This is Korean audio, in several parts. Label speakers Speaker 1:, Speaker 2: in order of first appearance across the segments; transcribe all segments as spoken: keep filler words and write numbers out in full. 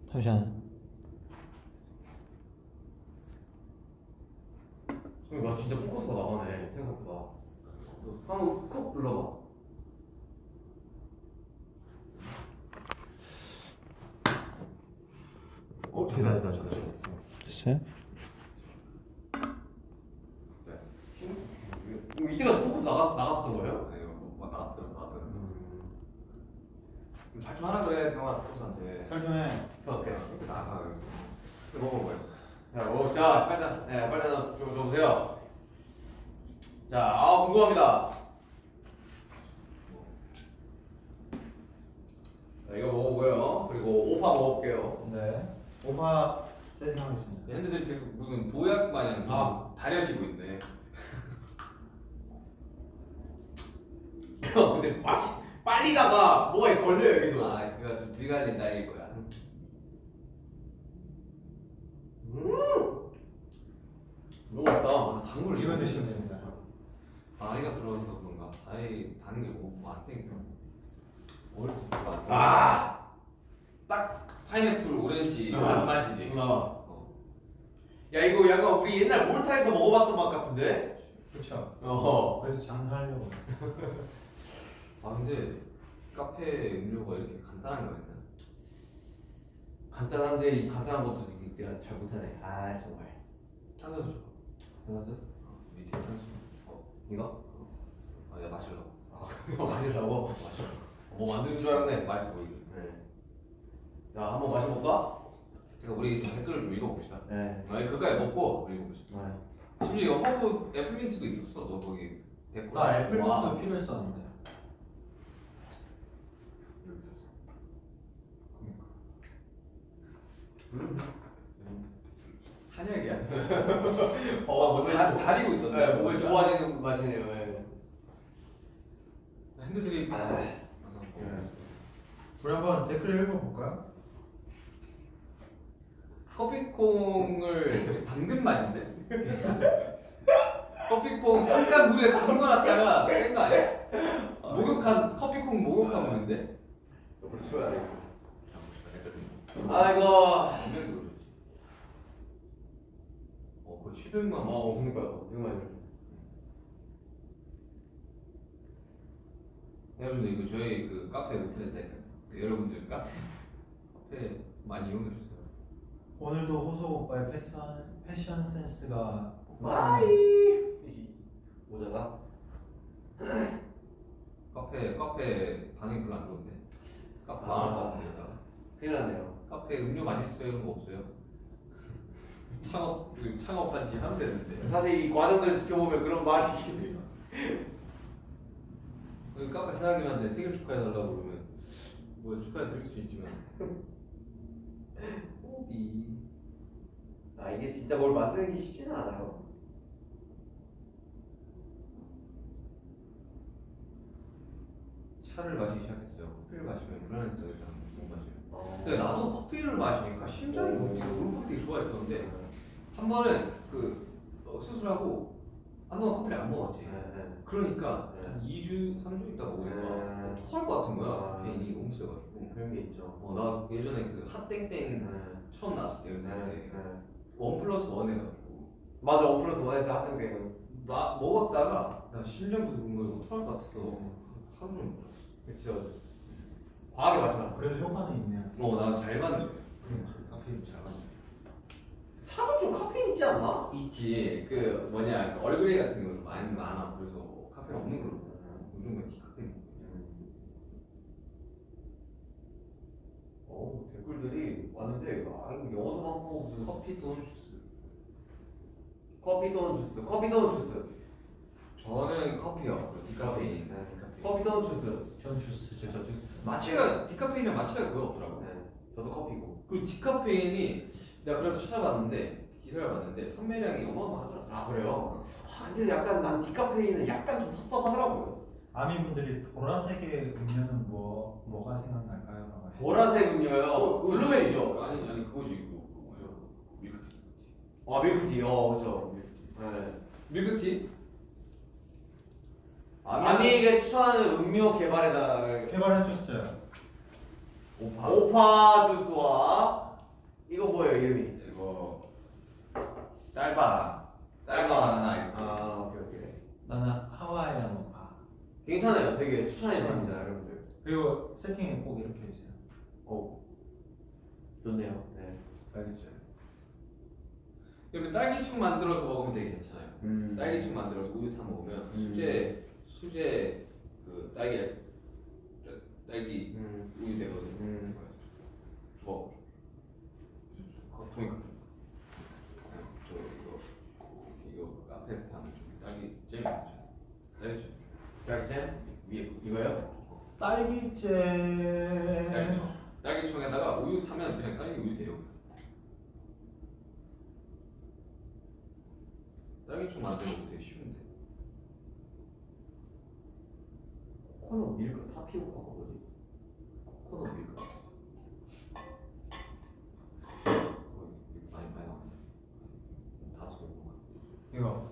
Speaker 1: 잠시만.
Speaker 2: 나 진짜 포커스가 나가네 생각보다. 한번 쿡 눌러봐.
Speaker 3: 어 대단하다 저거.
Speaker 1: 됐어요?
Speaker 2: 네. 이때가 포커스 나가 나갔었던 거예요?
Speaker 4: 아니 뭐 나왔더라 나왔더라.
Speaker 2: 음.
Speaker 4: 잘좀 하라 그래 태영아 포커스한테.
Speaker 3: 잘 좀 해.
Speaker 2: 오케이.
Speaker 4: 이렇게 나가. 먹어 뭐야?
Speaker 2: 자, 오, 자, 빨리, 네, 빨리 줘, 줘 보세요. 자, 아 궁금합니다. 자, 이거 먹어보고요. 그리고 오파 먹어볼게요.
Speaker 3: 네. 오파 세팅하겠습니다.
Speaker 4: 핸드들이 계속 무슨 보약 마냥
Speaker 3: 아.
Speaker 4: 다려지고 있네.
Speaker 2: 형, 근데 맛이 빨리다가 뭐가 걸려요 계속.
Speaker 4: 아 그거 좀 들갈린다 이거야.
Speaker 2: 음, 너무 맛있다.
Speaker 4: 아 단걸
Speaker 3: 이거 드시면 됩니다.
Speaker 4: 나이가 들어서 그런가. 나이 단게 뭐안 땡겨. 어렸을 때가 안 땡겨.
Speaker 2: 아,
Speaker 4: 딱 파인애플 오렌지 그
Speaker 2: 아.
Speaker 4: 맛이지.
Speaker 2: 어.
Speaker 4: 어.
Speaker 2: 야 이거 약간 우리 옛날 몰타에서 먹어봤던 맛 같은데?
Speaker 3: 그렇죠.
Speaker 2: 어.
Speaker 3: 그래서 장사하려고.
Speaker 4: 아 근데 카페 음료가 이렇게 간단한 거였나?
Speaker 2: 간단한데 이 간단한 것도 내가 잘 못하네. 아 정말.
Speaker 4: 탄산수 줘.
Speaker 2: 하나도?
Speaker 4: 어, 밑에 탄산수. 어.
Speaker 2: 이거?
Speaker 4: 아 내가 마실라고.
Speaker 2: 아, 이거 마시려고?
Speaker 4: 마실라고.
Speaker 2: 뭐 만드는 줄 알았네.
Speaker 4: 맛있어 보이게.
Speaker 2: 네. 자, 한번 마셔볼까?
Speaker 4: 그러니까 우리 좀 댓글을 좀 읽어봅시다.
Speaker 2: 네.
Speaker 4: 아니 그까지 먹고 읽어봅시다.
Speaker 2: 네.
Speaker 4: 심지어 허브 애플민트도 있었어. 너 거기 댓글.
Speaker 3: 나 애플민트
Speaker 2: 와.
Speaker 3: 필요했었는데.
Speaker 4: 여기 있었어.
Speaker 2: 음.
Speaker 4: 한약이야.
Speaker 2: 어,
Speaker 4: 뭐 다, 다리고 있던데.
Speaker 2: 네, 몸에 좋아지는 맛이네요. 네.
Speaker 4: 핸드드립.
Speaker 2: 아.
Speaker 4: 가서
Speaker 2: 네.
Speaker 4: 먹어봤어.
Speaker 3: 우리 한번 댓글 읽어볼까요?
Speaker 4: 커피콩을 담근 맛인데? 커피콩 잠깐 물에 담궈놨다가 뺀 거 아니야? 목욕한 커피콩 목욕한 물인데?
Speaker 2: 이걸 치워야 돼.
Speaker 4: 아이고.
Speaker 2: 아이고.
Speaker 4: 분명히 그러지. 어, 그거 칠백만 원.
Speaker 2: 어, 그러니까요. 이거 많이.
Speaker 4: 여러분들 이거 저희 그 카페 오픈했다니까. 여러분들 카페 카페 많이 이용해 주세요.
Speaker 3: 오늘도 호석 오빠의 패션 패션 센스가
Speaker 2: 모자가?
Speaker 4: 카페 카페 반응이 별로 안 좋은데. 카페
Speaker 2: 아.
Speaker 4: 망할 것 같은데.
Speaker 2: 큰일 났네요.
Speaker 4: 카페 음료 맛있어요 이런 거 없어요? 창업 그 창업한 지 한 됐는데.
Speaker 2: 사실 이 과정들을 지켜보면 그런 말이.
Speaker 4: 그 카페 사장님한테 생일 축하해 달라고 그러면 뭐 축하해 드릴 수 있지만. 호비.
Speaker 2: 아, 이게 진짜 뭘 만드는 게 쉽지는 않아요.
Speaker 4: 차를 마시기 시작했어요. 커피를 마시면 불안해서 더 이상 못 마셔요.
Speaker 2: 어.
Speaker 4: 근데 나도 커피를 마시니까 심장이 멈추고 그런 커피 되게 좋아했었는데 한 번은 그 어, 수술하고 한동안 커피를 안 먹었지.
Speaker 2: 네, 네.
Speaker 4: 그러니까
Speaker 2: 네.
Speaker 4: 한 이 주, 삼 주 있다 먹으니까
Speaker 2: 네.
Speaker 4: 토할 것 같은 거야.
Speaker 2: 아.
Speaker 4: 카페인이 너무 세가지고.
Speaker 2: 그런 게 있죠.
Speaker 4: 어, 나 예전에 그 핫땡땡
Speaker 2: 네.
Speaker 4: 처음 나왔을 때 연습
Speaker 2: 네.
Speaker 4: 때
Speaker 2: 네.
Speaker 4: 원 플러스 원 해가지고
Speaker 2: 맞아, 원 플러스 원에서 하던 게.
Speaker 4: 나 먹었다가 나 심장도 두근거리고 토할 것 같았어. 하루 종일 먹었어.
Speaker 2: 그렇죠. 과하게 마시면 안 돼.
Speaker 3: 그래도 효과는 있네요.
Speaker 4: 어, 난 잘 맞는 거야. 카페인 잘 맞는 거야.
Speaker 2: 차도 좀 카페인 있지 않나?
Speaker 4: 있지. 그 뭐냐 그 얼그레이 같은 경우는 많이 많아. 그래서 카페인 없는 걸로 먹어. 요즘은 디카페인 먹고.
Speaker 2: 어, 댓글들이 왔는데, 아, 이거 영어도 많고, 무슨
Speaker 4: 커피 또는 주스.
Speaker 2: 커피 또는 주스, 커피 또는 주스,
Speaker 4: 저는 커피요. 그리고 디카페인.
Speaker 2: 네.
Speaker 4: 디카페인.
Speaker 2: 커피 또는 주스.
Speaker 3: 전 주스죠.
Speaker 2: 저 주스.
Speaker 4: 마취가 디카페인이랑 마취가 거의 없더라고.
Speaker 2: 네, 저도 커피고.
Speaker 4: 그리고 디카페인이 내가 그래서 찾아봤는데 기사를 봤는데 판매량이 어마어마하더라고.
Speaker 2: 아, 그래요? 아, 근데 약간 난 디카페인은 약간 좀 섭섭하더라고요.
Speaker 3: 아미분들이 보라색의 음료는 뭐 뭐가 생각날까요? 라고 하시죠.
Speaker 2: 보라색 음료요. 블루베리죠.
Speaker 4: 아니 아니 그거지 그거 그거 뭐야 밀크티.
Speaker 2: 아, 밀크티. 어, 그렇죠. 네.
Speaker 4: 밀크티?
Speaker 2: 아미에게 추천하는 음료 개발에다
Speaker 3: 개발해 줬어요.
Speaker 4: 오파.
Speaker 2: 오파 주스와 이거 뭐예요 이름이?
Speaker 4: 이거 짧아 짧아 바나나 아이스크림.
Speaker 2: 아 오케이 오케이.
Speaker 3: 나는 하와이안 모카.
Speaker 2: 괜찮아요. 되게 추천해 드립니다 여러분들.
Speaker 3: 그리고 세팅은 꼭 이렇게 해주세요.
Speaker 2: 오 좋네요. 네.
Speaker 4: 딸기잼. 그러면 딸기청 만들어서 먹으면 되게 괜찮아요.
Speaker 2: 음.
Speaker 4: 딸기청 만들어서 우유 타 먹으면
Speaker 2: 음.
Speaker 4: 수제 수제 그 딸기 딸기
Speaker 2: 음.
Speaker 4: 우유 되거든요.
Speaker 2: 음.
Speaker 4: 좋아. 어, 종이 컵. 저 이거 이거 카페에서 파는 좀 딸기 잼이 있죠. 딸기잼.
Speaker 2: 딸기잼?
Speaker 4: 위에
Speaker 2: 이거요?
Speaker 3: 딸기잼.
Speaker 4: 딸기청. 딸기청에다가 우유 타면 그냥 딸기 우유 돼요. 딸기청 만드는 거 되게 쉬운데.
Speaker 2: 코코넛 밀크 타피오카가 뭐지?
Speaker 4: 코코넛 밀크. 많이 많이 나오네. 다 좋은 거 같아.
Speaker 3: 이거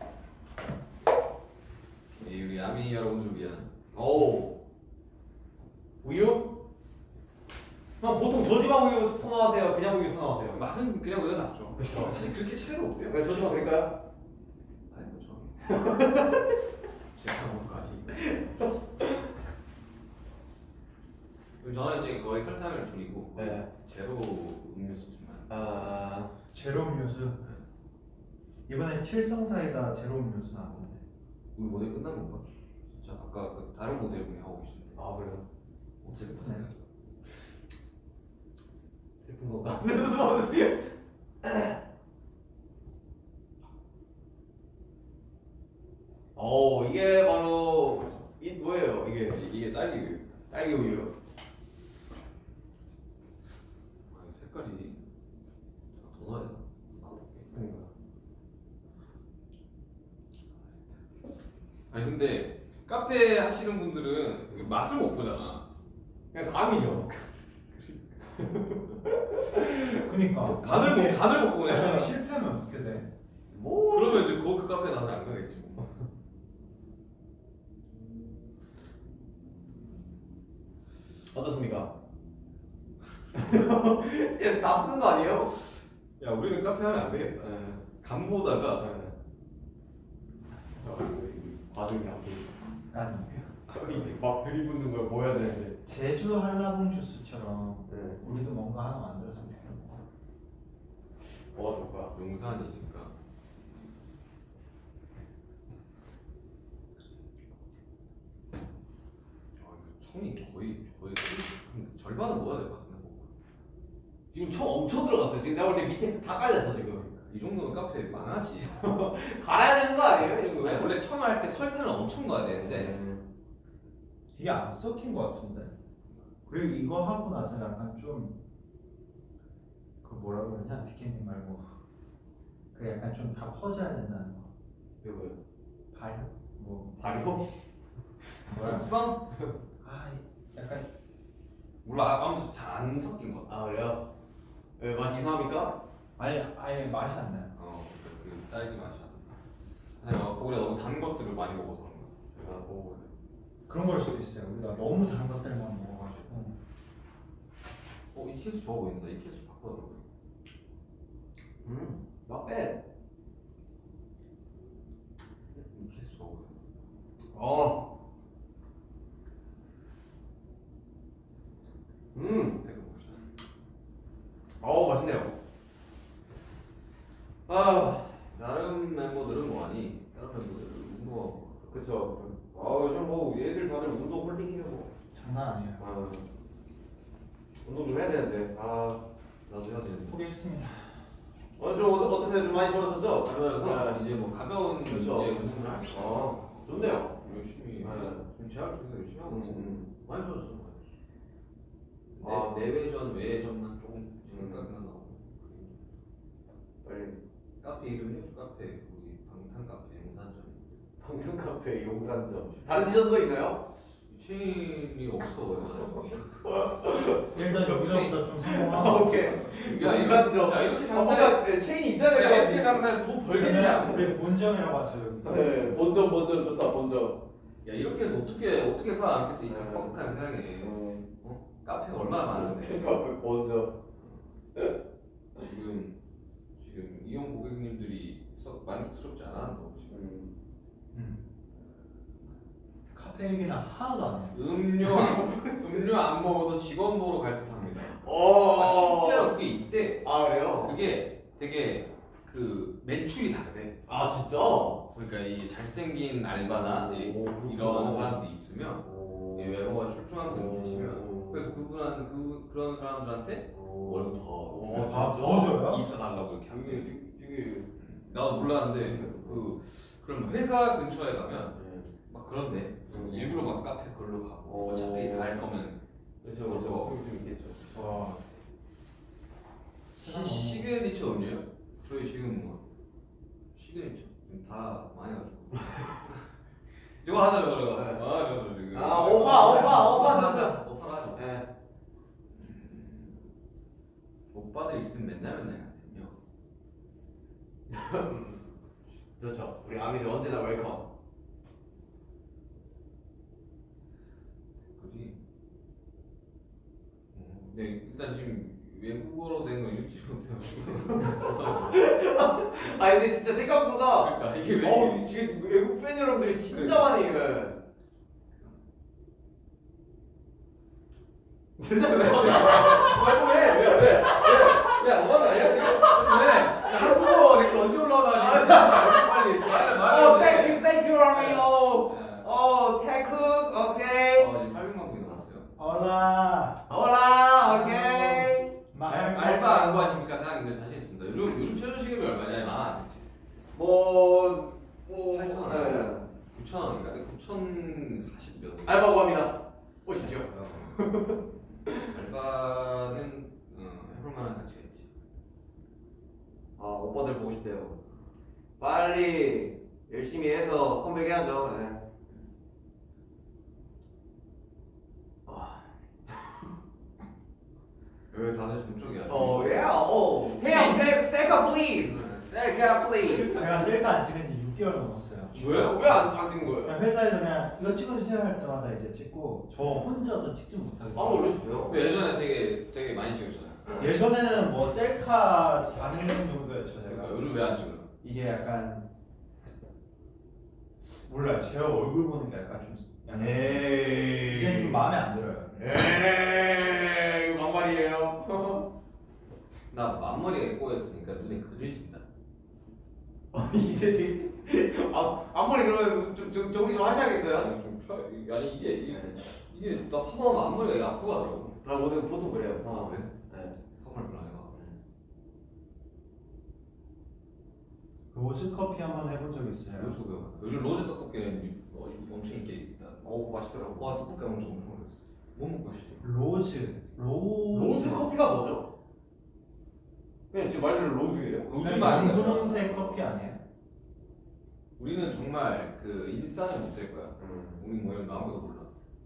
Speaker 4: 예, 우리 아미 여러분들을 위한.
Speaker 2: 오 우유? 그럼 보통 저지방 우유 선호하세요? 그냥 우유 선호하세요?
Speaker 4: 맛은 그냥 우유가 낫죠.
Speaker 2: 그쵸.
Speaker 4: 사실 그렇게 차이가 없대요.
Speaker 2: 왜 저지방 드릴까요?
Speaker 4: 아니 뭐 저. 제가 먹은 거 아니에요. 그럼 저는 이제 거의 설탕을 줄이고
Speaker 2: 네.
Speaker 4: 제로 음료수만.
Speaker 2: 아
Speaker 3: 제로 음료수. 이번에 칠성사이다 제로 음료수 나왔던데.
Speaker 4: 우리 모델 끝난 건가? 진짜 아까 그 다른 모델 분이 하고 계신데.
Speaker 2: 아 그래요?
Speaker 4: 어떻게
Speaker 3: 네.
Speaker 2: 슬픈 건가? 오 이게 바로 이 뭐예요 이게?
Speaker 4: 이게 딸기 우유.
Speaker 2: 딸기 우유.
Speaker 4: 아, 이 색깔이 더 넣어야 되나?
Speaker 2: 그러니까.
Speaker 4: 아니 근데 카페 하시는 분들은 이게 맛을 못 보잖아.
Speaker 2: 그냥 감이죠.
Speaker 3: 그니까
Speaker 4: 간을 못 간을 못
Speaker 3: 만약에
Speaker 4: 보네.
Speaker 3: 실패하면 어떻게 돼?
Speaker 2: 뭐?
Speaker 4: 그러면 이제 그 카페 나는 안 가겠지 뭐.
Speaker 2: 어떻습니까? 이제 다 쓰는 거 아니에요?
Speaker 4: 야 우리는 카페 하면 안 되겠다.
Speaker 2: 네.
Speaker 4: 간 보다가
Speaker 2: 네. 과정이 안 보이고
Speaker 3: 아니
Speaker 2: 막 들이붓는 걸 보여야 되는데.
Speaker 3: 제주 한라봉 주스처럼
Speaker 2: 네.
Speaker 3: 우리도 뭔가 하나 만들었으면 좋겠다.
Speaker 2: 뭐가 좋을까?
Speaker 4: 용산이니까. 아 이거 청이 거의 거의 한 절반은 먹어야 될 것 같은데 뭐.
Speaker 2: 지금 청 엄청 들어갔어요. 지금 내가 볼 때 밑에 다 깔렸어 지금.
Speaker 4: 이 정도면 카페 많아지.
Speaker 2: 갈아야 되는 거 아니에요? 이 정도면?
Speaker 4: 아니 원래 청할 때 설탕을 엄청 넣어야 되는데
Speaker 3: 이게 안 섞인 것 같은데. 그리고 이거 하고 나서 약간 좀 그 뭐라 그러냐 디케님 말고 그 약간 좀 다 퍼져야 된다는 거.
Speaker 2: 이거 뭐예요?
Speaker 3: 발효 뭐
Speaker 2: 발효?
Speaker 3: 뭐야?
Speaker 4: 숙성?
Speaker 3: 아 약간
Speaker 4: 몰라 아무튼 잘안 섞인 것 같아.
Speaker 2: 아 그래요? 왜 맛이 이상합니까?
Speaker 3: 아예 아예 맛이 안 나요.
Speaker 4: 어, 그, 그 딸기 맛이 안 나. 아니 어, 우리가 너무 단 것들을 많이 먹어서 그런 거야.
Speaker 2: 제가 먹어볼래.
Speaker 3: 그런 걸 수도 있어요. 우리가 너무 단 것들만 먹어가지고.
Speaker 4: 어, 이 케이스 좋아 보인다. 이 케이스 바꿔달라고.
Speaker 2: 음, not bad.
Speaker 4: 이 케이스 좋아 보인다.
Speaker 2: 어. 음,
Speaker 4: 댓글 봅시다.
Speaker 2: 어우 맛있네요. 아,
Speaker 4: 다른 멤버들은 뭐하니? 다른 멤버들은 운동하고.
Speaker 2: 그쵸. 아 요즘 뭐 얘들 다들 운동 홀릭이에요. 뭐.
Speaker 3: 장난 아니에요.
Speaker 2: 아, 운동 좀 해야 되는데. 아,
Speaker 4: 나도 해야 되는데.
Speaker 3: 포기했습니다.
Speaker 2: 오늘 좀 어떠, 어떠세요? 좀 많이 좋아졌죠?
Speaker 4: 그러면서 이제 뭐 가벼운
Speaker 2: 그렇죠.
Speaker 4: 이제 운동을 할 수.
Speaker 2: 아, 좋네요.
Speaker 4: 열심히.
Speaker 2: 네.
Speaker 4: 지금 제약 중에서 열심히 하고 있고.
Speaker 2: 음.
Speaker 4: 많이 좋아졌어. 내,
Speaker 2: 아.
Speaker 4: 내외전 외전만 조금 지금 생각나 나오고.
Speaker 2: 빨리
Speaker 4: 카페 이름이 카페 우리 방탄 카페 용산점.
Speaker 2: 방탄 카페 용산점. 다른 지점도 있나요?
Speaker 4: 체인이 없어.
Speaker 3: 일단 여기서부터 좀
Speaker 2: 아,
Speaker 3: 성공하고.
Speaker 2: 오케이.
Speaker 4: 야,
Speaker 2: 용산점.
Speaker 4: 야, 이렇게
Speaker 2: 아,
Speaker 4: 장사해.
Speaker 2: 뭔가 네, 체인이 있어야 될 것
Speaker 4: 야
Speaker 2: 같아.
Speaker 4: 이렇게 장사해서 돈 벌겠냐?
Speaker 3: 그러면 우리 본점이라고 하죠. 여기.
Speaker 2: 네, 본점 본점 좋다 본점.
Speaker 4: 야 이렇게 해서 어떻게 어떻게 살아남겠어 이
Speaker 2: 네.
Speaker 4: 뻑뻑한 세상에.
Speaker 2: 음,
Speaker 4: 어? 카페가 얼마나 많은데.
Speaker 2: 카페 본점.
Speaker 4: 자연스럽지 않아. 너 지금.
Speaker 2: 음.
Speaker 3: 음. 카페 얘기는 하나도 안 해.
Speaker 4: 음료 안- 음료 안 먹어도 직원 보러 갈 듯합니다.
Speaker 2: 어.
Speaker 4: 아, 실제로 그게 있대.
Speaker 2: 아 그래요?
Speaker 4: 그게 되게 그 매출이 다르대.
Speaker 2: 아 진짜?
Speaker 4: 그러니까 이 잘생긴 알바나 이-
Speaker 2: 오, 그렇구나.
Speaker 4: 이런 사람들이 있으면
Speaker 2: 오.
Speaker 4: 이 외모가 출중한 분이
Speaker 2: 오.
Speaker 4: 계시면 그래서 그분한 그 그런 사람들한테 월급 더
Speaker 2: 오,
Speaker 4: 주면서
Speaker 3: 아, 더 줘요?
Speaker 4: 있어 달라고 이렇게
Speaker 2: 이게
Speaker 4: 한대.
Speaker 2: 이게
Speaker 4: 나도 몰랐는데 그 그럼 회사 근처에 가면
Speaker 2: 네.
Speaker 4: 막 그런데
Speaker 2: 음.
Speaker 4: 일부러 막 카페 걸로 가고
Speaker 2: 오.
Speaker 4: 어차피 다 할 거면
Speaker 2: 그래서 그래서 좀 있겠죠.
Speaker 3: 와.
Speaker 4: 시, 시그니처 음료요? 저희 지금 뭐 시그니처 지금 다 많이 가지고 이거 하자 저거
Speaker 2: 네.
Speaker 4: 아 저거 지금
Speaker 2: 아 오빠 오빠 오빠 줬어.
Speaker 4: 오빠가 하자.
Speaker 2: 네.
Speaker 4: 오빠들 있으면 맨날 맨날 같으며
Speaker 2: 그렇죠. 우리 아미들 언제나 웰컴.
Speaker 4: 그지? 어, 근데 일단 지금 외국어로 된 거 읽지 못해가지고 그래서
Speaker 2: 아 근데 진짜 생각보다
Speaker 4: 그러니까 이게 왜
Speaker 2: 어 지금 외국 팬 여러분들이 진짜 많이 예. 진짜 왜?
Speaker 4: 왜? 왜? 왜? 왜? 야, 뭐하는 아니야? 왜? 야, 한국어 이렇게 언제 올라오나 지금 빨리 말해 말해.
Speaker 2: 어 thank you thank you 아미 어
Speaker 4: 네.
Speaker 2: 어 태국 오케이.
Speaker 4: 어, 이제 팔백만 분이 넘었어요.
Speaker 3: 올라.
Speaker 2: 올라 오케이.
Speaker 4: 알, 알바 안 구하십니까? 사장님들 자신 있습니다. 요즘 요즘 최저 시급이 얼마냐? 만
Speaker 2: 뭐뭐
Speaker 4: 팔천 원.
Speaker 2: 네.
Speaker 4: 구천 원인가? 구천사십 몇.
Speaker 2: 알바 구합니다. 오십시오.
Speaker 4: 알바는 어, 해볼 만한 가치가 있지.
Speaker 2: 아 오빠들 보고 싶대요. 빨리 열심히 해서 컴백해야죠. 네.
Speaker 4: 왜 다들 점쪽이야?
Speaker 2: 어, yeah. 어, 태양 셀 셀카 please. 셀카 please.
Speaker 3: 제가 셀카 안 찍은 지 육 개월 넘었어요.
Speaker 2: 왜요? 왜안안 찍은 거예요?
Speaker 3: 그냥 회사에서 그냥 이거 찍어주세요 할 때마다 이제 찍고 저 혼자서 찍지 못하게.
Speaker 2: 아 올려주세요.
Speaker 4: 근데 예전에 되게 되게 많이 찍었잖아요.
Speaker 3: 예전에는 뭐 셀카 장인 정도였죠
Speaker 4: 그러니까
Speaker 3: 제가.
Speaker 4: 요즘 왜 안 찍어요?
Speaker 3: 이게 약간 몰라요. 제 얼굴 보는 게 약간 좀 약간
Speaker 2: 에이.
Speaker 3: 이제는 좀 마음에 안 들어요.
Speaker 2: 에이, 이거 막말이에요.
Speaker 4: 나 앞머리가 꼬였으니까 눈에 그늘진다.
Speaker 2: 이제 되게 아 앞머리 그러면 좀, 좀 정리 좀 하셔야겠어요.
Speaker 4: 아니 좀 펴. 아니 이게 이게, 이게 나 파마하면 앞머리가 이게 아프고 하더라고.
Speaker 2: 아 오늘 보통 그래요.
Speaker 4: 아, 왜?
Speaker 2: 네.
Speaker 4: 파마를 별로 안 해봐.
Speaker 3: 로즈 커피 한번 해본 적 있어요.
Speaker 4: 로즈 배워. 요즘 로즈 떡볶이는 어, 엄청 인기 있다.
Speaker 2: 어 맛있더라고.
Speaker 4: 와 떡볶이 엄청 엄청 먹었어. 뭐 먹고 싶어?
Speaker 3: 로즈 로즈
Speaker 2: 로즈 커피가 뭐죠? 그냥 지금 말대로 로즈예요.
Speaker 4: 로즈가 아닌가?
Speaker 3: 분홍색 커피 아니에요?
Speaker 4: 우리는 정말 그 인싸는 못 될 거야.
Speaker 2: 음.
Speaker 4: 우리 뭐 이런 거 아무도 몰라.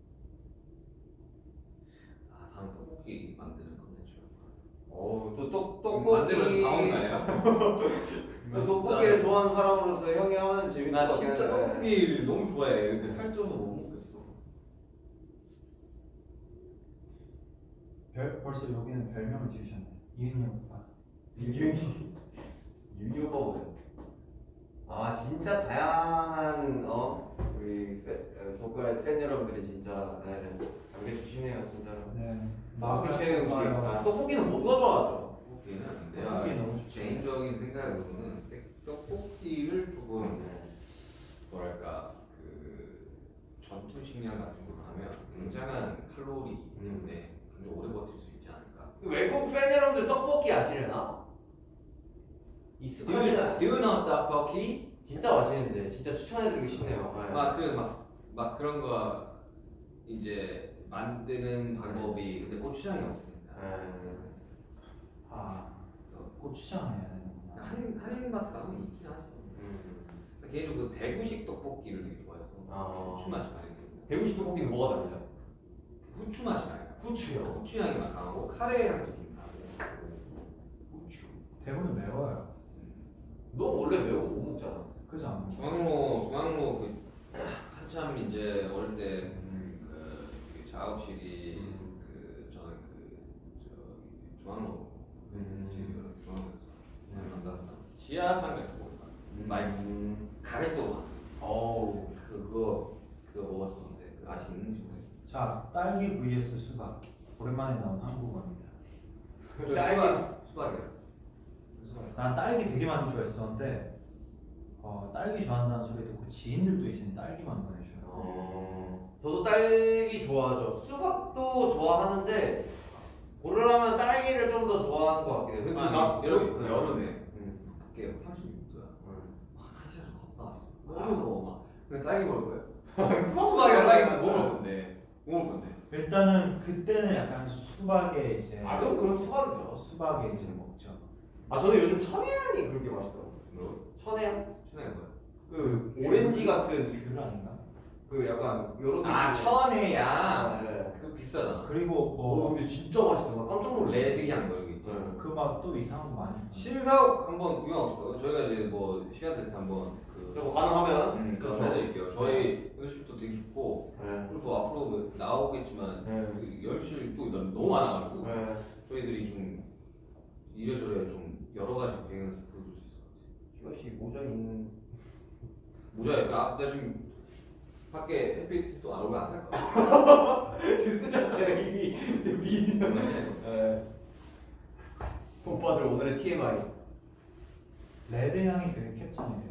Speaker 4: 아 다음에 떡볶이 만드는 컨텐츠.
Speaker 2: 어또 떡
Speaker 4: 만들면서
Speaker 2: 떡볶이.
Speaker 4: 다 먹는 거 아니야?
Speaker 2: 또 떡볶이를 좋아하는 사람으로서 형이 하면 재밌을 것
Speaker 4: 나
Speaker 2: 같긴
Speaker 4: 진짜
Speaker 2: 한데.
Speaker 4: 떡볶이를 너무 좋아해. 근데 살쪄서 못 먹겠어.
Speaker 3: 별, 벌써 여기는 별명을 지으셨네. 이은이 오빠.
Speaker 2: 유기 유기 오빠 보세요. 아 진짜 다양한 어 우리 독가의 팬 여러분들이 진짜 네, 남겨주시네요 진짜로.
Speaker 3: 네.
Speaker 2: 떡볶이 최애 음식.
Speaker 3: 좋아요.
Speaker 2: 아, 떡볶이는 모두가 좋아하죠.
Speaker 4: 떡볶이는
Speaker 3: 떡볶이
Speaker 4: 내가
Speaker 3: 너무 좋죠.
Speaker 4: 개인적인 생각으로는 떡볶이를 조금 뭐랄까 그 전투 식량 같은 걸로 하면 굉장한 칼로리 때문에 굉장히 오래 버틸 수 있지 않을까.
Speaker 2: 외국 팬 여러분들 떡볶이 아시려나? 익숙하지는
Speaker 4: Do you know 떡볶이?
Speaker 2: 진짜 맛있는데 진짜 추천해드리고 싶네요. 네.
Speaker 4: 막그막막 그런 거 이제 만드는 방법이 근데 고추장이 없으니까.
Speaker 2: 네.
Speaker 3: 아 고추장 해야 되는구나.
Speaker 4: 한인 한인마트 가면 있긴 하죠.
Speaker 2: 음.
Speaker 4: 개인적으로 그 대구식 떡볶이를 되게 좋아해서
Speaker 2: 아.
Speaker 4: 후추 맛이 가리거든요.
Speaker 2: 대구식 떡볶이는 뭐가 달라요?
Speaker 4: 후추 맛이 많이 나.
Speaker 2: 후추요.
Speaker 4: 후추 향이 막 강하고 카레 향도 좀 나고. 후추.
Speaker 3: 대구는 매워요.
Speaker 2: 너 원래 매운 거 못 먹잖아.
Speaker 3: 그지 않나?
Speaker 4: 중앙로 중앙로 그 한참 이제 어릴 때 그, 그 작업실이
Speaker 2: 음.
Speaker 4: 그 저는 그 저 중앙로
Speaker 2: 음.
Speaker 4: 집이 중앙로에서 만났다 지하 상가에서 먹었다. 맛있어.
Speaker 2: 음.
Speaker 4: 가래떡.
Speaker 2: 어우.
Speaker 4: 그거 그거 먹었었는데 그 아직 있는지 모르겠어.
Speaker 3: 자, 딸기 vs 수박. 오랜만에 나온 한국어입니다.
Speaker 2: 딸기.
Speaker 4: 수박 수박이야. 수박.
Speaker 3: 난 딸기 되게 많이 좋아했었는데 어, 딸기 좋아한다는 소리 듣고 지인들도 이제 딸기만 보내줘요.
Speaker 2: 어. 저도 딸기 좋아하죠. 수박도 좋아하는데 고르라면 딸기를 좀 더 좋아하는 것 같긴 해요. 근데
Speaker 4: 아니,
Speaker 2: 나
Speaker 4: 여름,
Speaker 2: 저-
Speaker 4: 여름에
Speaker 2: 음.
Speaker 4: 밖에 삼십육 도야.
Speaker 2: 음.
Speaker 4: 한 시간 걷다 왔어. 너무 더워 막. 근데 딸기 먹을 거예요.
Speaker 2: 수박
Speaker 4: 수박이랑 딸기 있으면 뭐 먹을 건데? 뭐 먹을 건데?
Speaker 3: 일단은 그때는 약간 수박에 이제
Speaker 2: 아 그럼 그럼 수박이죠.
Speaker 3: 수박에 이제 먹죠.
Speaker 2: 아 저는 요즘 천혜향이 그렇게 맛있더라고요.
Speaker 4: 뭐?
Speaker 2: 천혜향?
Speaker 4: 천혜가 뭐야?
Speaker 2: 그 오렌지 같은
Speaker 3: 귤 아닌가?
Speaker 2: 그 약간 요런
Speaker 4: 아
Speaker 2: 느낌의-
Speaker 4: 천혜야.
Speaker 2: 네.
Speaker 4: 그거 비싸잖아.
Speaker 3: 그리고
Speaker 2: 오
Speaker 3: 뭐
Speaker 2: 근데 진짜 맛있어. 나 깜짝 놀래.
Speaker 4: 레드향 뭐 이런 게 있잖아.
Speaker 2: 네.
Speaker 3: 그 막 또 이상한 거 많이 있잖아.
Speaker 4: 신사옥 한번 구경하고 싶어요. 저희가 이제 뭐 시간 될 때 한번 그
Speaker 2: 그리고 가능하면
Speaker 4: 음,
Speaker 2: 그렇죠.
Speaker 4: 그거 해드릴게요. 저희 연습실도 되게 좋고
Speaker 2: 네.
Speaker 4: 그리고 앞으로 뭐 나오겠지만
Speaker 2: 네.
Speaker 4: 그 연습실 또 너무 많아가지고
Speaker 2: 네.
Speaker 4: 저희들이 좀 이래저래 좀 여러 가지 배경에서 보여줄 수 있을 것 같아요.
Speaker 2: 이것이 모자 있는
Speaker 4: 모자에 아, 나 지금 밖에 햇빛 또 안 오면 안 살 거야.
Speaker 2: 지금 쓰셨어요 이미 미인. 네. 오빠들 오늘의 티엠아이.
Speaker 3: 레드 향이 되게 캡찬이에요.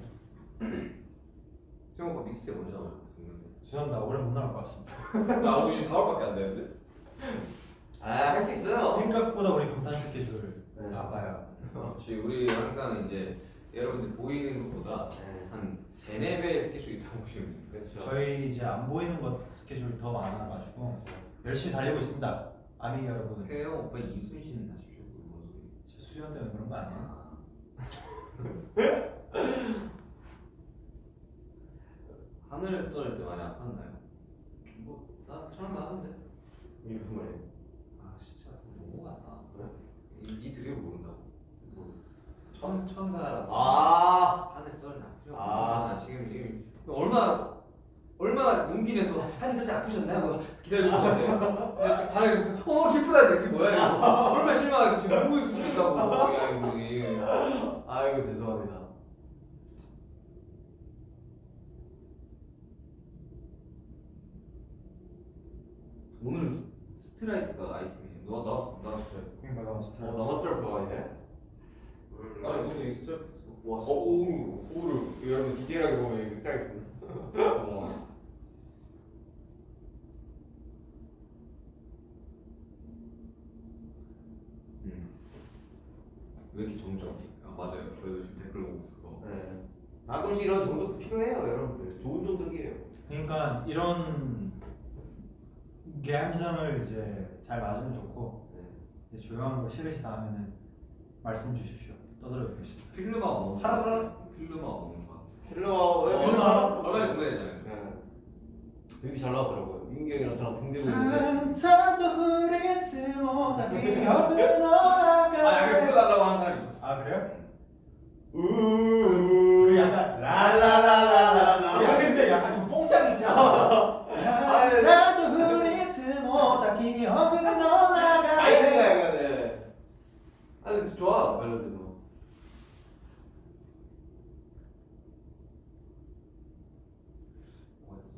Speaker 4: 수영 오빠 믹스테이프 언제 나오냐고 했었는데
Speaker 3: 죄송합니다. 올해 못 나올 것 같습니다.
Speaker 4: 나오고 이제 사월밖에 안 되는데?
Speaker 2: 아할 수 있어요.
Speaker 3: 생각보다 우리 방탄 스케줄
Speaker 2: 네.
Speaker 3: 바빠요.
Speaker 4: 그렇지 우리 항상 이제 여러분들 보이는 것보다
Speaker 2: 네.
Speaker 4: 한 세네 배의 스케줄이 있다고 보시면 돼요.
Speaker 2: 그렇죠.
Speaker 3: 저희 이제 안 보이는 것 스케줄 더 많아가지고 열심히 달리고 있습니다. 아미 여러분.
Speaker 4: 태영 오빠 이순신 하십시오. 뭔 소리?
Speaker 3: 제 수련 때문에 그런 거 아니에요?
Speaker 4: 아. 하늘에서 떨어질 때 많이 아팠나요? 뭐나 처음 하는데.
Speaker 2: 이게 무슨 말이에요?
Speaker 4: 아 진짜 너무 같다.
Speaker 2: 네?
Speaker 4: 이, 이 드립을 모른다고. 뭐 천 천사라서.
Speaker 2: 아.
Speaker 4: 하늘에서 떨어질 때 아프죠.
Speaker 2: 아.
Speaker 4: 아 지금 지금 얼마나 얼마나 용기 내서 하늘 떨때 아프셨나요? 하고 기다리고 있었는데 내가 딱 반응해서 어 기쁘다는데 그게 뭐야 이거. 얼마나 실망해서 지금 울고 있을 수 있다고. 야 이거 이거.
Speaker 2: 아이고 죄송합니다.
Speaker 4: 오늘 스- 스트라이크가 아이템이에요. 너나나 스트라이크.
Speaker 3: 그러니까 나온
Speaker 2: 어
Speaker 3: 스타일.
Speaker 2: 나만 스타일프가 아니네.
Speaker 4: 아니 오늘 이 스트라이크 있어.
Speaker 2: 와 서우 서울을 여러분 디테일하게 보면 이게 스타일프.
Speaker 4: 어. 음. 왜 이렇게 정적이? 아 맞아요. 저희도 지금 댓글 보고 있어서.
Speaker 2: 네. 가끔씩 이런 정적도 필요해요 여러분들. 좋은 정적이에요.
Speaker 3: 그러니까 이런 감성을 이제 잘 맞으면 좋고
Speaker 2: 네.
Speaker 3: 이제 조용한 거 싫으시다 하면은 말씀 주십시오. 떠들어 주겠습니다.
Speaker 4: 필름아가 너무 좋아. 필름아가 너무 좋아.
Speaker 2: 필러
Speaker 4: 어,
Speaker 2: 왜
Speaker 3: 얼마-
Speaker 2: 필러?
Speaker 4: 얼마나 궁금해잖아요.
Speaker 2: 네. 되게 잘 나왔더라고요. 민규 형이랑 저랑 등 대고 있는데.
Speaker 3: 한타도 흐리스모 다 기억은
Speaker 4: 아 여기
Speaker 3: 올라가.
Speaker 4: 불러달라고 하는 사람이 있었어.
Speaker 3: 아 그래요?
Speaker 2: 우.
Speaker 3: 그 약간 라라라라라라 이런데 약간 좀 뽕짝이지 않아? 한타도 흐리스모 다 기억은 올라가.
Speaker 2: 아이디가 약간 네. 아 근데 좋아 멜로디도.
Speaker 4: 뭐였지?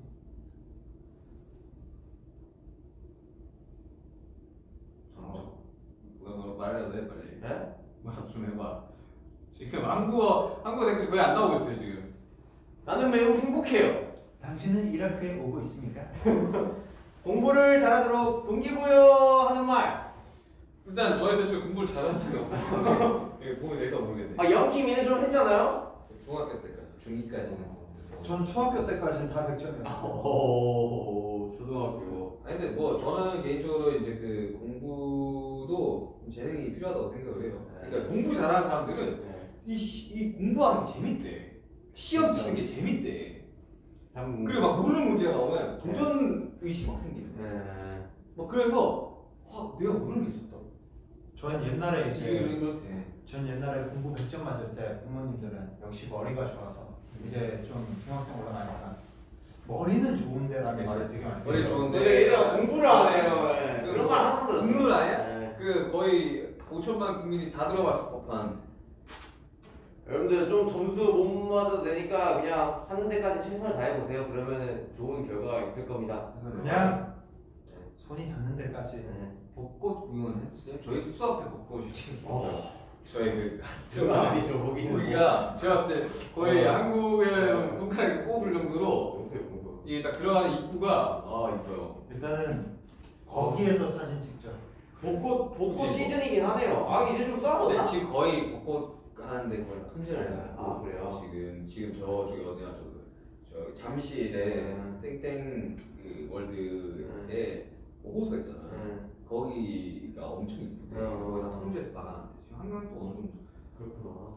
Speaker 4: 정적. 뭐, 뭐 말해도 돼 빨리.
Speaker 2: 네?
Speaker 4: 말좀 좀 해봐. 지금 한국어 한국어 댓글이 거의 안 나오고 있어요 지금.
Speaker 2: 나는 매우 행복해요.
Speaker 3: 당신은 이라크에 오고 있습니까?
Speaker 2: 공부를 잘하도록 동기부여하는 말.
Speaker 4: 일단 저에서 지금 공부를 잘하는 사람이 없어요. 이게 도움이 될까 모르겠네.
Speaker 2: 아 영키미는 좀 했잖아요.
Speaker 4: 중학교 때까지, 중이까지는.
Speaker 3: 전 중학교 때까지는 다 백 점이었어요.
Speaker 2: 오 초등학교.
Speaker 4: 아니 근데 뭐 저는 개인적으로 이제 그 공부도 좀 재능이 필요하다고 생각을 해요. 그러니까 공부 잘하는 사람들은
Speaker 2: 네.
Speaker 4: 이, 시- 이 공부하는 게 재밌대. 시험 치는 게 재밌대.
Speaker 2: 참.
Speaker 4: 그리고 막 모르는 문제가 나오면 도전 의식 막 생기는.
Speaker 2: 네.
Speaker 4: 막 그래서 와 내가 모르는 게 있었다.
Speaker 3: 전 옛날에
Speaker 4: 이게
Speaker 3: 이제
Speaker 4: 그렇대.
Speaker 3: 전 옛날에 공부 백 점 맞을 때 부모님들은 역시 머리가 좋아서 이제 좀 중학생 올라가니까 머리는 좋은데라는 말을 되게 많이
Speaker 4: 머리
Speaker 3: 해요.
Speaker 4: 좋은데.
Speaker 2: 근데 얘가 공부를 안 해요. 네.
Speaker 4: 그
Speaker 2: 그런 말 항상 들었어요.
Speaker 4: 국룰 아니야?
Speaker 2: 네.
Speaker 4: 그 거의 오천만 국민이 다 들어봤을 법한
Speaker 2: 여러분들 좀 점수 못 맞아도 되니까 그냥 하는 데까지 최선을 다해보세요. 그러면 좋은 결과가 있을 겁니다.
Speaker 3: 그냥 손이 닿는 데까지.
Speaker 2: 네.
Speaker 4: 벚꽃 구경은 했어요? 저희 숙소 앞에 벚꽃이 지금
Speaker 2: 어.
Speaker 4: 저희 그
Speaker 2: 그거 아니죠. 거기는
Speaker 4: 우리가 제가 봤을 때 거의
Speaker 2: 어.
Speaker 4: 한국의 손가락에 꼽을 정도로
Speaker 2: 뭐. 뭐.
Speaker 4: 이게 딱 들어가는 입구가 아 이뻐요.
Speaker 3: 일단은 거기에서 사진 찍죠.
Speaker 2: 벚꽃 벚꽃
Speaker 4: 그치,
Speaker 2: 시즌이긴 하네요. 아 이제 좀
Speaker 4: 근데
Speaker 2: 떨어졌나?
Speaker 4: 지금 거의 벚꽃 하는데 거의 다 통제를 해요.
Speaker 2: 아, 그래요?
Speaker 4: 지금 지금 저 저기 어디야 저, 저 잠실에
Speaker 2: 음.
Speaker 4: 땡땡 그 월드에 호수가 있잖아.
Speaker 2: 음.
Speaker 4: 거기가 엄청 이쁘대.
Speaker 2: 음.
Speaker 4: 거기 다 통제해서 나가는데 지금 한강도 어느 정도
Speaker 2: 그렇구나.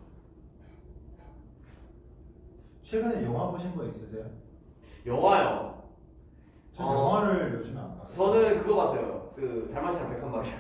Speaker 3: 최근에 영화 보신 거 있으세요?
Speaker 2: 영화요.
Speaker 3: 저
Speaker 2: 어.
Speaker 3: 영화를 요즘 안 봐요.
Speaker 2: 저는 그거 봤어요. 그 달마시랑 백한마리요.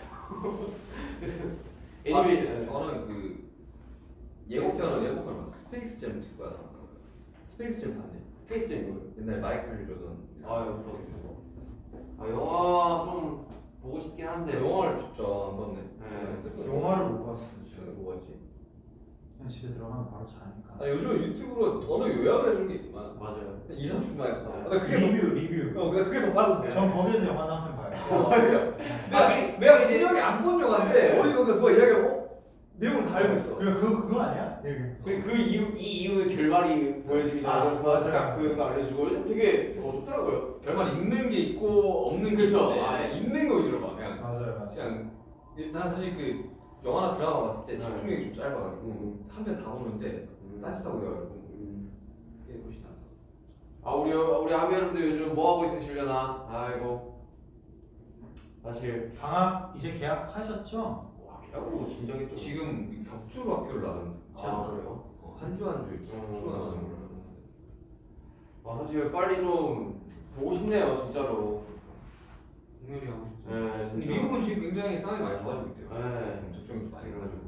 Speaker 2: 애니메이션.
Speaker 4: 아, 저는 그 예고편을 예고편 봤어. 스페이스 잼 이가 스페이스 잼 봤네.
Speaker 2: 스페이스 잼.
Speaker 4: 옛날 마이클 조던.
Speaker 2: 아유 그렇습니다. 아 영화 좀 보고 싶긴 한데.
Speaker 4: 영화를 진짜 안 봤네.
Speaker 2: 네.
Speaker 3: 영화를 못 봤어요.
Speaker 4: 최근에 뭐 봤지?
Speaker 3: 그냥 집에 들어가면 바로 자니까.
Speaker 4: 아 요즘 유튜브로 언어 요약을 해주는 게 있구만.
Speaker 2: 맞아요.
Speaker 4: 이, 삼십 분만 해서.
Speaker 2: 네.
Speaker 4: 나 그게 더,
Speaker 3: 리뷰 리뷰.
Speaker 4: 어, 나 그게 더 빠르다.
Speaker 3: 전 거기서 영화 한편 봐요.
Speaker 4: 어, 맞아. 내가,
Speaker 2: 그리-
Speaker 4: 내가
Speaker 2: 그리-
Speaker 4: 분명히 안 본 영화인데,
Speaker 2: 네.
Speaker 4: 어디서 누가 이야기하고, 어? 내용을 다 알고 있어.
Speaker 3: 그리고 그 그거 아니야? 여기.
Speaker 2: 그리고 그 이후 이 이후의 결말이 보여집니다.
Speaker 3: 아,
Speaker 2: 그래서
Speaker 3: 맞아요.
Speaker 2: 딱 그거 알려주고 되게 어, 좋더라고요.
Speaker 4: 결말 있는 게 있고, 없는 게
Speaker 2: 그쵸.
Speaker 4: 있는데,
Speaker 2: 아,
Speaker 4: 있는 거 위주로 봐. 그냥.
Speaker 3: 맞아요 맞아요.
Speaker 4: 그냥, 난 사실 그, 영화나 드라마 봤을 때
Speaker 2: 네.
Speaker 4: 집중력이 좀 짧아가지고,
Speaker 2: 음.
Speaker 4: 한 편 다 보는데, 딴짓하고 그래가지고,
Speaker 2: 음.
Speaker 4: 그게 훨씬 낫다.
Speaker 2: 아 우리 우리 아미 여러분들 요즘 뭐 하고 있으시려나? 아이고 사실
Speaker 3: 방학 이제 계약하셨죠?
Speaker 2: 와 계약으로 진작에 좀
Speaker 4: 지금 격주로 학교를 나가는 지
Speaker 2: 아
Speaker 4: 않나?
Speaker 2: 그래요?
Speaker 4: 어, 한 주 한 주 이렇게 격주로
Speaker 2: 음.
Speaker 4: 나가는 걸로 알고
Speaker 2: 아 사실 빨리 좀 보고 싶네요 진짜로.
Speaker 4: 공연이 하고 싶어.
Speaker 2: 네
Speaker 4: 근데
Speaker 2: 진짜.
Speaker 4: 미국은 지금 굉장히 상황이 많이 좋아지고 있대요.
Speaker 2: 네.
Speaker 4: 접종이 많이 일어나지고.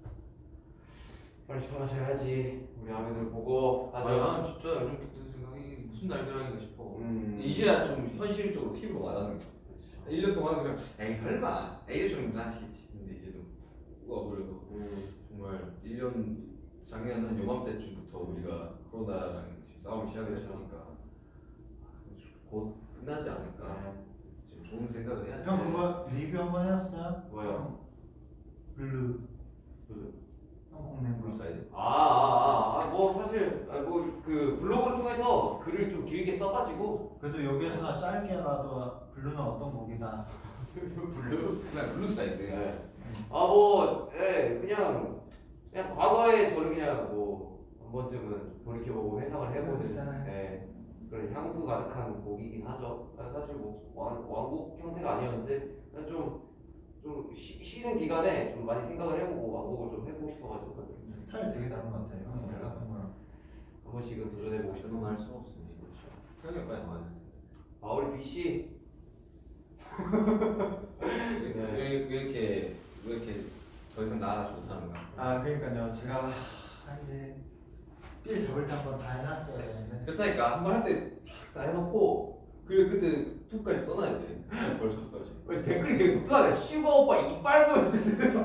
Speaker 2: 빨리 좋아하셔야지 우리 아미들 보고
Speaker 4: 아,
Speaker 2: 하죠.
Speaker 4: 나는 진짜 요즘 드는 생각이 무슨 날벼락인가 싶어.
Speaker 2: 음.
Speaker 4: 이제야 좀 현실적으로 피부가 와닿는 거.
Speaker 2: 그렇죠.
Speaker 4: 일 년 동안 그냥 에이 설마 에이 정도는 하시겠지. 근데 이제는 와버려서
Speaker 2: 음.
Speaker 4: 정말 일 년 작년 한 요맘때쯤부터 우리가 코로나랑 지금 싸움을 시작했으니까 곧 끝나지 않을까.
Speaker 2: 네.
Speaker 4: 지금 좋은 생각을 해야지.
Speaker 3: 형 그거 리뷰 한번 해봤어요?
Speaker 2: 뭐요?
Speaker 3: 블루.
Speaker 2: 블루.
Speaker 3: 형 공내 블루.
Speaker 4: 사이드.
Speaker 2: 아아아뭐 사실 아, 뭐그 블로그를 통해서 글을 좀 길게 써가지고
Speaker 3: 그래도 여기서 짧게라도 블루는 어떤 곡이다.
Speaker 2: 블루.
Speaker 4: 그냥 블루 사이드.
Speaker 2: 네. 아뭐 예, 그냥 그냥 과거에 저를 그냥 뭐 한 번쯤은 돌이켜보고 회상을 해보는
Speaker 3: 네.
Speaker 2: 예, 그런 향수 가득한 곡이긴 하죠. 아, 사실 뭐 왕, 왕곡 형태가 아니었는데 그냥 좀 좀 쉬는 기간에 좀 많이 생각을 해보고 왕곡을 좀 해보고 싶어가지고
Speaker 3: 스타일 되게 다른 것 같아요. 형이 원래 하던 거랑.
Speaker 2: 한 번씩은 도전해보고 싶은
Speaker 4: 너무 할 수가 없으니 그렇죠. 생각이 빨리 나와야 돼.
Speaker 2: 아 우리 B 씨
Speaker 4: 왜, 왜, 왜 이렇게 왜 이렇게 더 이상 나아가지 못하는 거야?
Speaker 3: 아 그러니까요. 제가 아, 이제 삘 잡을 때 한번 다 해놨어야 되는데.
Speaker 4: 그렇다니까 한 번 할 때 쫙 다 해놓고 그리고 그때 툭까지 써놔야 돼. 벌써 툭까지.
Speaker 2: 왜 댓글이 되게 독특하네. 슈가 오빠 이빨 보여주세요.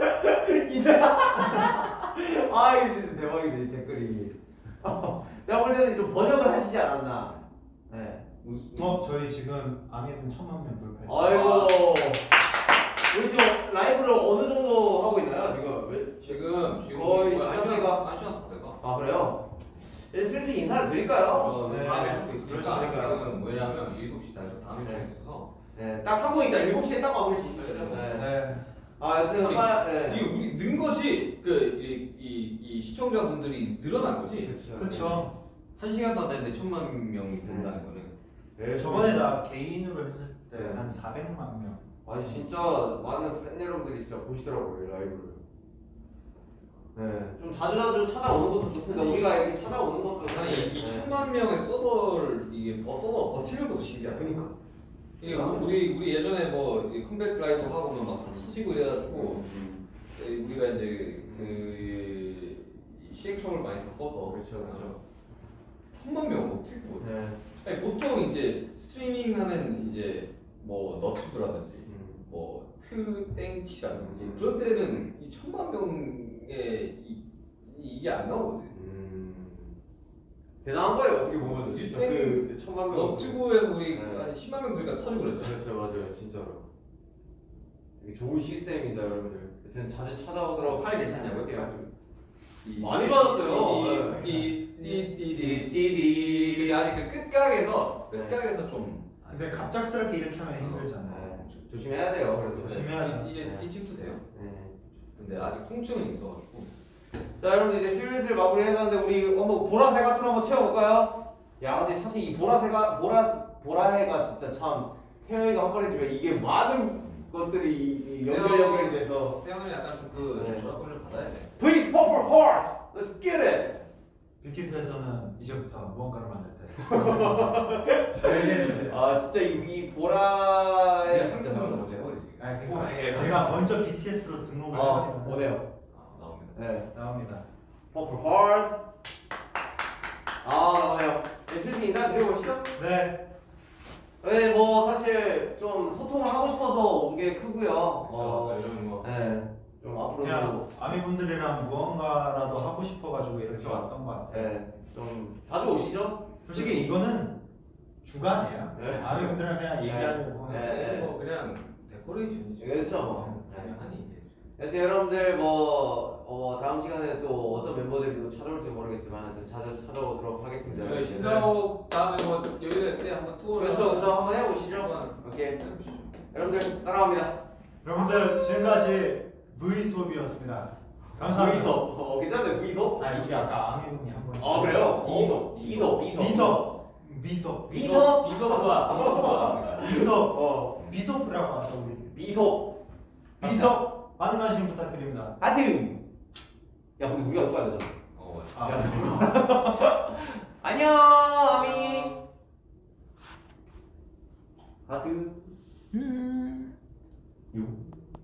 Speaker 2: 아 이게 진짜 대박이네 이 댓글이. 제가 볼 때는 좀 번역을 하시지 않았나. 네.
Speaker 3: 어 저희 지금 아미분 천만 명 돌파했어요.
Speaker 2: 아이고. 우리 지금 라이브를 어느 정도 하고 있나요 지금? 왜?
Speaker 4: 지금 지금
Speaker 2: 거의
Speaker 4: 한
Speaker 2: 시간대가-
Speaker 4: 시간 한 시간 다 돼가.
Speaker 2: 아 그래요? 이제 슬슬 인사를 드릴까요?
Speaker 4: 저
Speaker 3: 네.
Speaker 4: 다음에 좀도 있으니까
Speaker 2: 그러시니까요.
Speaker 4: 지금 뭐냐면 일곱 시 다해서 다음에 좀 있어서
Speaker 2: 네. 딱 삼 분 있다. 일곱 시에 딱 마무리 지시죠. 네.
Speaker 3: 네.
Speaker 2: 아 여튼
Speaker 4: 아니,
Speaker 2: 빠 네.
Speaker 4: 이게 우리 는 거지. 그이이 이, 이 시청자분들이 늘어난 거지.
Speaker 2: 그렇죠.
Speaker 3: 그렇죠.
Speaker 4: 한 시간도 안 됐는데 천만 명이 된다는 거는.
Speaker 2: 네.
Speaker 3: 저번에 나 개인으로 했을 때
Speaker 2: 네.
Speaker 3: 한 사백만 명.
Speaker 2: 아니 진짜 많은 팬 여러분들이 진짜 보시더라고요 이 라이브를. 네, 좀 자주 자주 찾아오는 것도 좋습니다.
Speaker 4: 아니,
Speaker 2: 우리가 이렇게 찾아오는 것도
Speaker 4: 아니 이
Speaker 2: 네.
Speaker 4: 천만 명의 서버를 이게 버 서버 버티는 것도 신기하다.
Speaker 2: 그러니까.
Speaker 4: 이게 우리 우리 예전에 뭐 이 컴백 라이브 하고 막다 터지고 이래가지고
Speaker 2: 음.
Speaker 4: 네, 우리가 이제 그 시행착오를 많이 겪어서
Speaker 2: 그렇죠, 그렇죠.
Speaker 4: 천만 명 어떻게 뭐?
Speaker 2: 네.
Speaker 4: 아니 보통 이제 스트리밍하는 이제 뭐 너튜브라든지
Speaker 2: 음.
Speaker 4: 뭐 트땡치라든지
Speaker 2: 음.
Speaker 4: 그런 때는 이 천만 명의 이, 이 이게 안 나오거든.
Speaker 2: 음. 대단한 거예요 어떻게 보면 진짜 그 천만 명.
Speaker 4: 너튜브에서 우리
Speaker 2: 네.
Speaker 4: 한 십만 명 들니까 터지고 그러죠.
Speaker 2: 그렇죠 맞아요 진짜로. 되게 좋은 시스템입니다 여러분들. 여튼 자주 찾아오도록.
Speaker 4: 팔 괜찮냐고요?
Speaker 2: 할게요. 아주
Speaker 4: 이-
Speaker 2: 많이 받았어요.
Speaker 4: 띠띠띠띠띠. 근데 아직 그 끝각에서
Speaker 2: 네.
Speaker 4: 끝각에서 좀.
Speaker 3: 근데 갑작스럽게 이렇게 하면 힘들잖아요.
Speaker 2: 네, 조- 조심해야 돼요 그래도.
Speaker 3: 조심해야죠.
Speaker 4: 이제
Speaker 2: 네.
Speaker 4: 찝찝도 돼요.
Speaker 2: 네.
Speaker 4: 근데 아직 통증은 있어가지고.
Speaker 2: 자 여러분들 이제 슬슬 마무리 해가는데 우리 한번 보라색 같은 거 한번 채워볼까요? 야 근데 사실 이 보라색가 보라 보라해가 진짜 참 태영이가 한 번 해주면 이게 많은 것들이 이- 이 연결 연결이 돼서
Speaker 4: 태양은 약간 좀그
Speaker 2: 네.
Speaker 4: 전화권을 받아야 돼.
Speaker 2: Please purple heart, let's get it.
Speaker 3: 빅히트에서는 이제부터 무언가를 만들 때 얘기해주세요.
Speaker 2: 아 진짜 이, 이 보라해 진짜
Speaker 4: 상상을
Speaker 2: 잘한다.
Speaker 4: 못해요.
Speaker 3: 아니, 그러니까
Speaker 4: 보라해라서.
Speaker 3: 내가 먼저 비티에스로 등록을
Speaker 2: 아
Speaker 3: 해버리면
Speaker 2: 오네요.
Speaker 4: 아, 나옵니다.
Speaker 2: 네,
Speaker 3: 나옵니다.
Speaker 2: purple heart. 아 나오네요. 네, 슬슬 인사 드려보시죠.
Speaker 3: 네.
Speaker 2: 네, 뭐 사실 좀 소통을 하고 싶어서 온 게 크고요.
Speaker 4: 어,
Speaker 2: 어,
Speaker 4: 이런 거.
Speaker 2: 네, 좀 앞으로도
Speaker 3: 그냥 아미분들이랑 무언가라도 하고 싶어가지고 이렇게
Speaker 2: 그렇죠.
Speaker 3: 왔던 것 같아요.
Speaker 2: 네, 좀 자주 오시죠.
Speaker 3: 솔직히 이거는 주간이에요.
Speaker 2: 네.
Speaker 3: 아미분들이랑 그냥 얘기하려고.
Speaker 2: 네.
Speaker 4: 네. 뭐 그냥 데코레이션이죠.
Speaker 2: 그렇죠. 뭐.
Speaker 4: 그냥 하니 이제.
Speaker 2: 하여튼 여러분들 뭐 어, 다음 시간에 또 어떤 멤버들이 또 찾아올지 모르겠지만 하여튼 자주 찾아오도록 하겠습니다.
Speaker 4: 저희 신사옥 다음에 뭐 여유가 될 때 한번 투어를
Speaker 2: 그렇죠, 그렇죠. 한번 해보시죠.
Speaker 4: 한번
Speaker 2: 오케이.
Speaker 4: 해보시죠.
Speaker 2: 여러분들 사랑합니다.
Speaker 3: 여러분들 지금까지 V 수업이었습니다. 감사합니다.
Speaker 2: V섭. 어, 괜찮아요. V섭?
Speaker 3: 아 이게 아까 아미분이 한 번.
Speaker 2: 아 그래요?
Speaker 4: 이섭,
Speaker 2: 이섭, 이섭, 이섭.
Speaker 3: 비섭. 비섭.
Speaker 2: 비섭.
Speaker 4: 비서부가 비서부가
Speaker 3: 비섭.
Speaker 2: 어,
Speaker 3: 비섭이라고 하죠 우리.
Speaker 2: 비섭.
Speaker 3: 비섭 많은 관심 부탁드립니다.
Speaker 2: 하여튼. 야, 근데 우리가 또 가야 되잖아.
Speaker 4: 어,
Speaker 3: 아,
Speaker 2: 야, 안녕, 아미. 하트. 요.